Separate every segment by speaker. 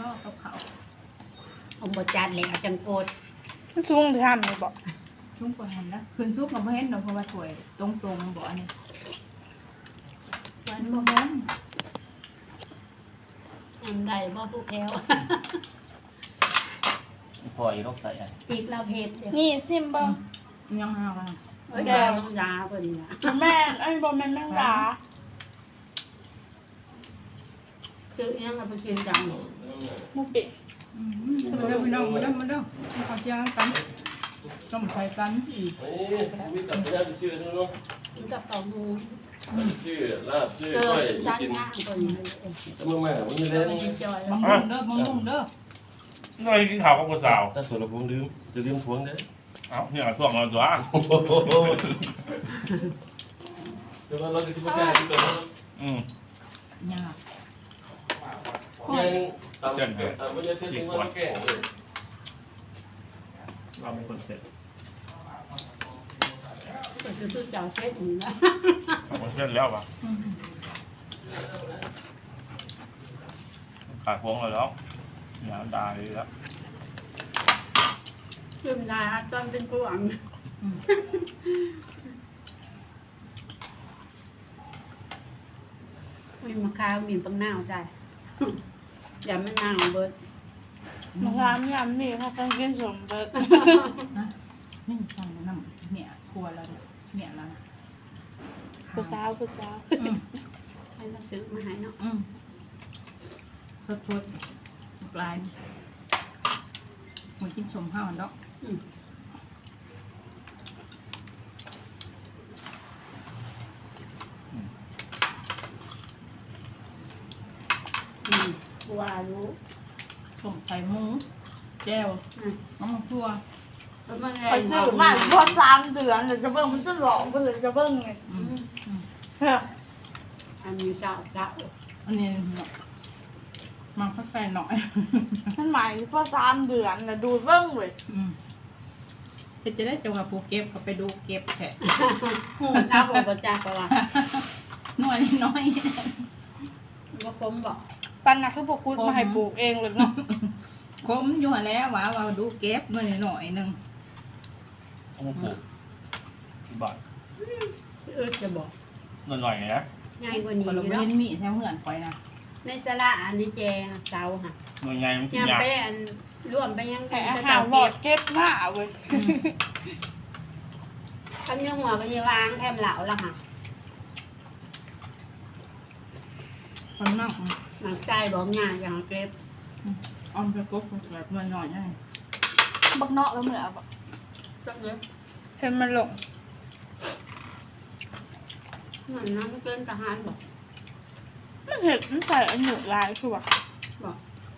Speaker 1: นาะกับเขา
Speaker 2: ผมบจัดเลยเอาจังโกด
Speaker 3: ชุ่งทำเลยบอก
Speaker 1: ชุ่มกว่าหันนะคืนซุปกับเพื่อนเราเพราะว่าถวยตรงๆบอกอันนี้วันบ่แม่น
Speaker 2: อันใดบ่ผู้แพ้ว
Speaker 4: พออีกต้องใส่อ่ะ
Speaker 2: ปีกเราเผ็ดเดี๋ยว
Speaker 3: นี่ซิมเบิ้ง
Speaker 1: ยังหาว่า
Speaker 2: แก้วน้ำยาพอดีนะ
Speaker 3: แม่ไอ้บอมแม่แม่งด่า
Speaker 2: คือยังเอาไปกินจัง
Speaker 3: มุปิ
Speaker 1: มาเด้อพี่น้องมาเด้อเขาเจียงกันต้มไข่กัน
Speaker 4: มีกับพยาธิชื่อนั่นเนาะ
Speaker 2: กินกับเต่าหู
Speaker 4: ชื่อลาบชื่อ
Speaker 2: เจอ
Speaker 4: ก้อย
Speaker 2: ชั้น
Speaker 4: กิน
Speaker 2: ย่างคนนี้
Speaker 4: จะมึงแม่มึงไม่ได้
Speaker 2: กินจอย
Speaker 1: มะม่วงเด้อ
Speaker 5: น้อยกินข้าวกับผู้สาว
Speaker 4: ถ้าส่วนเราคงลืมจะลืมทวงเด้อ
Speaker 5: เอ้าเนี่ยช่วงเราตัว
Speaker 4: เดี๋ยวเราจะกินแกงกินตัวนั้น
Speaker 1: ยาก
Speaker 4: แกงตำแกงไม่ใช่ที่มึงว่าแกงเลย
Speaker 5: เราเป็นคนเสร็จ
Speaker 2: ก็คือเจ้าเช็ดอยู่นะ
Speaker 5: เราคนเสร็จแล้วปะขาดพวงเลยแล้วอย่าด่าเลยแล้ว
Speaker 2: คือมันได้ตอนเป็นกลวงมีมะขามมีปังนาวใช่อย่ามันนาวเบิด
Speaker 3: มะขามยำนี่เขาต้องกินสมเบิร์ด
Speaker 1: นี่สั่งน้ำเนี่ยครัวแล้วเนี่ยแล้วนะ
Speaker 3: ผู้สาว
Speaker 2: ให้เราซื้อมาให้เนาะ
Speaker 1: สดปลายมันกินสมห้าวเนาะ
Speaker 2: ว่ารู้
Speaker 1: สมใส่หมูแจ่วน้ำมันทั่ว
Speaker 3: คอยซื้อมาพอ3 เดือนเดี๋ยวจะเบิ้งมันจะหลอกไปเลยจะเบิ้งไง
Speaker 2: อันนี้เจ้า
Speaker 1: อันนี้มันค่อยๆหน่อย
Speaker 3: มันหมายพอ3 เดือนนะดูเบิ้งเลย
Speaker 1: จะได้จังหวะปูเก็บเขาไปดูเก็บแค่
Speaker 2: เอาบอกประจักษ์ว่า
Speaker 1: หน่วยน้อย
Speaker 2: ว่าคมบอก
Speaker 3: ปันนะคือพวกคุณมาให้ปลูกเองเลยเนาะ
Speaker 1: คมอยู่แล้วว่าดูเก็บหน่อยนึง
Speaker 5: โอ้โหบาท
Speaker 2: จะบอก
Speaker 5: หน่อยนะ
Speaker 2: ง่ายกว่านี้
Speaker 1: เราไม่เห็นมีแถวเหือนไปนะ
Speaker 2: ในสระอันนี้แจงเสาค่ะ
Speaker 5: หน่วยใหญ่มันกิน
Speaker 2: ยัง
Speaker 5: ยาก
Speaker 2: ไปอันร่วมไปยัง
Speaker 3: แต่อาหารบดเก็บหน้าเว้ย
Speaker 2: ทำยังหัวไปยังวางแคมเหลาละค่ะ
Speaker 1: คนนั่ง
Speaker 2: หนังไส้บอกง่ายอย่างเก็บ
Speaker 1: ออมไปกบแบบหน่อยๆนี่
Speaker 3: บักเนาะก็เหมือนแบบ
Speaker 2: สักเล็ก
Speaker 3: เห็นมันหลง
Speaker 2: เหมือนน้ำเกินทหารบอก
Speaker 3: มันเห็นมันใส่อันหนูลายคือว่า
Speaker 2: บอก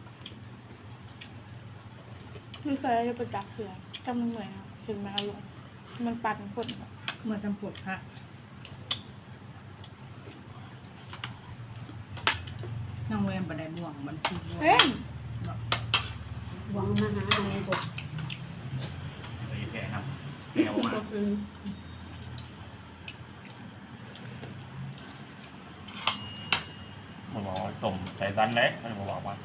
Speaker 3: ไม่เคยได้ประจักษ์เสือจำมันเหมือนเห็นมันเอาลงมันปั่นคน
Speaker 1: เมื่อจำปวดพระน้องเวมบันไดบ่วงมันคือบ่วง
Speaker 2: หวังมาหาอะไรบอก
Speaker 5: แกครับแกมามันบอกต้มใจดันแล้วมันบอกว่า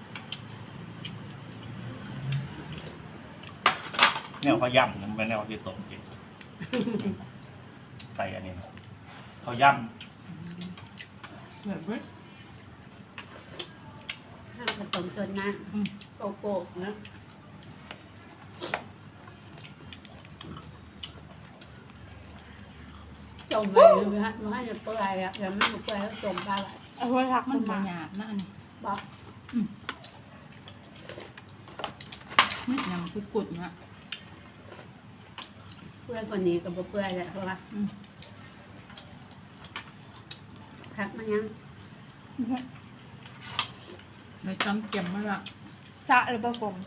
Speaker 5: แนวเขาย่ำมันเป็นแนวที่ต้มจริงใส่อันนี้เขาย่ำ
Speaker 1: แบบนี้
Speaker 2: ข้าวผสมส่วนน้ำโกกนะจมไปเลยฮะมันให้เปื่อยอ่ะยังไม่เปื่อยแล้วจมไปเลย
Speaker 3: เอาไว้รัก
Speaker 1: มันบางอย่างนั่น
Speaker 2: บอก
Speaker 1: นี่ยังคือกุดนะ
Speaker 2: เปื่อยกว่านี้กับเปื่อยแหละเพราะว่าพักมันยัง
Speaker 1: เลยจำเก็บมาละ
Speaker 3: สะหรือเปล่าผม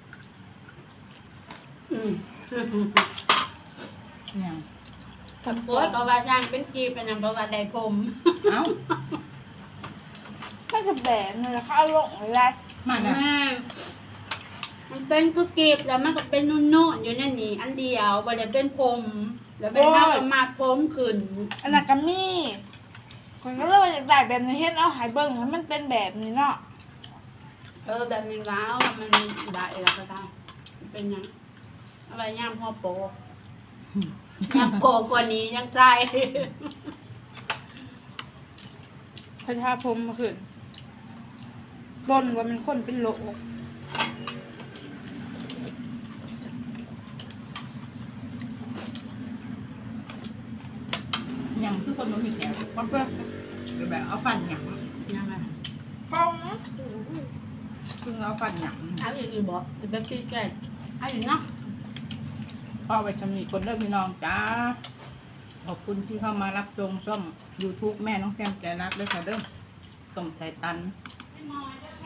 Speaker 1: เนี่ย
Speaker 2: โอ้ยก็ว่าช่างเป็นกีเป็นอันเพราะว่าได้ผม
Speaker 1: เอ้า
Speaker 3: ไม่จะแบนเลยเขาเอาลงอะไร
Speaker 1: มัน
Speaker 2: มันเป็นกุกีบแล้วมันก็เป็นนุ่นๆอยู่นั่นนี่อันเดียวบ่ได้เป็นผมแล้วเป็นเท่ากับมาผมขึ้น
Speaker 3: อันนั้นก็มีคนก็เลยอยากได้แบบนี้เห็นเอาหายเบิ้งให้มันเป็นแบบนี้เนาะ
Speaker 2: แบบนี้ว้าวมันได้แล้วก็ได้เป็นยังอะไรย่างพ่อโปย่างโปกว่านี้ยังใส่
Speaker 3: พระชาพรหมมาขึ้นต้นว่ามันคนเป็นโล
Speaker 1: หยังคือคนบ่มีแขวมันเพื่อแบบเอาฟันหยัง
Speaker 2: ยังไง
Speaker 1: ป้องคือเอาฟันหยัง
Speaker 2: เอาอีกอีกบอกจะแบบพี่แก่เอาอีกเนาะ
Speaker 1: พ่อไปชำนิคนเด้อพี่น้องจ้าขอบคุณที่เข้ามารับชมช่อง YouTube แม่น้องแซมใจรักด้วยค่ะเด้อส่งใจตัน
Speaker 2: ไม่มอยเด้อ